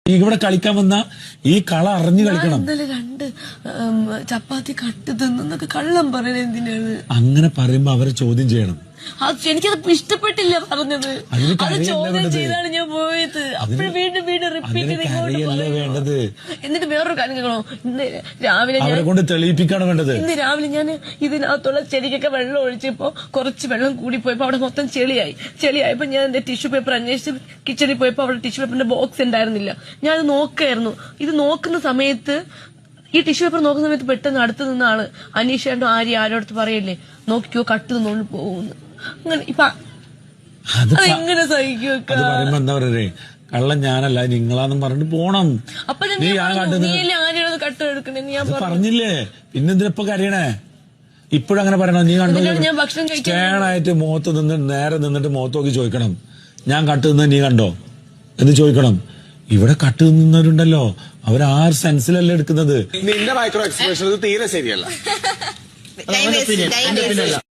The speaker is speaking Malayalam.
ഇവിടെ കളിക്കാൻ വന്ന ഈ കള അറിഞ്ഞു കളിക്കണം. ഇന്നലെ 2 ചപ്പാത്തി കട്ട് തിന്നൊക്കെ കള്ളം പറയണ എന്തിനാണ്? അങ്ങനെ പറയുമ്പോ അവരെ ചോദ്യം ചെയ്യണം. എനിക്കത് ഇഷ്ടപ്പെട്ടില്ല പറഞ്ഞത്. അത് ചോദ്യം ചെയ്താണ് ഞാൻ പോയത്. അപ്പോഴും വീണ്ടും റിപ്പീറ്റ് വേണ്ടത്. എന്നിട്ട് വേറൊരു കാര്യം കേൾക്കണോ? ഇന്ന് രാവിലെ അവരെ കൊണ്ട് തെളിയിപ്പിക്കാണ് വേണ്ടത്. ഇന്ന് രാവിലെ ഞാൻ ഇതിനകത്തുള്ള ചെടിക്കൊക്കെ വെള്ളം ഒഴിച്ചപ്പോ കുറച്ച് വെള്ളം കൂടി പോയപ്പോ അവിടെ മൊത്തം ചെളിയായപ്പോ ഞാൻ എന്റെ ടിഷ്യൂ പേപ്പർ അന്വേഷിച്ച് കിച്ചണിൽ പോയപ്പോ അവിടെ ടിഷ്യൂ പേപ്പറിന്റെ ബോക്സ് ഉണ്ടായിരുന്നില്ല. ഞാൻ അത് നോക്കായിരുന്നു. ഇത് നോക്കുന്ന സമയത്ത് ഈ ടിഷ്യൂ പേപ്പർ നോക്കുന്ന സമയത്ത് പെട്ടെന്ന് അടുത്ത് നിന്ന ആള് അനീഷേണ്ടോ ആരോടത്ത് പറയല്ലേ, നോക്കിക്കോ കട്ട് നിന്നോണ്ട് പോകുന്നു. അങ്ങനെ ഇപ്പൊ അതെങ്ങനെ സഹിക്കുമൊക്കെ? പറയുമ്പോ എന്താ പറയേ, കള്ളം ഞാനല്ല നിങ്ങളാന്നും പറഞ്ഞിട്ട് പോണം. അപ്പൊ ആരെയാണ് കട്ട് എടുക്കണേ ഞാൻ പറഞ്ഞില്ലേ, പിന്നെന്തിനപ്പൊ കരയണേ? ഇപ്പോഴങ്ങനെ പറയണോ? നീ കണ്ടോ? ഞാൻ ഭക്ഷണം സ്റ്റാണായിട്ട് മുഖത്ത് നിന്ന് നേരെ നിന്നിട്ട് മുഖത്ത് നോക്കി ചോദിക്കണം, ഞാൻ കട്ട് നിന്ന് നീ കണ്ടോ എന്ന് ചോദിക്കണം. ഇവിടെ കട്ട് നിന്നവരുണ്ടല്ലോ, അവർ ആ സെൻസിലല്ലേ എടുക്കുന്നത്. നിന്റെ മൈക്രോ എക്സ്പ്രഷൻ തീരെ ശരിയല്ല.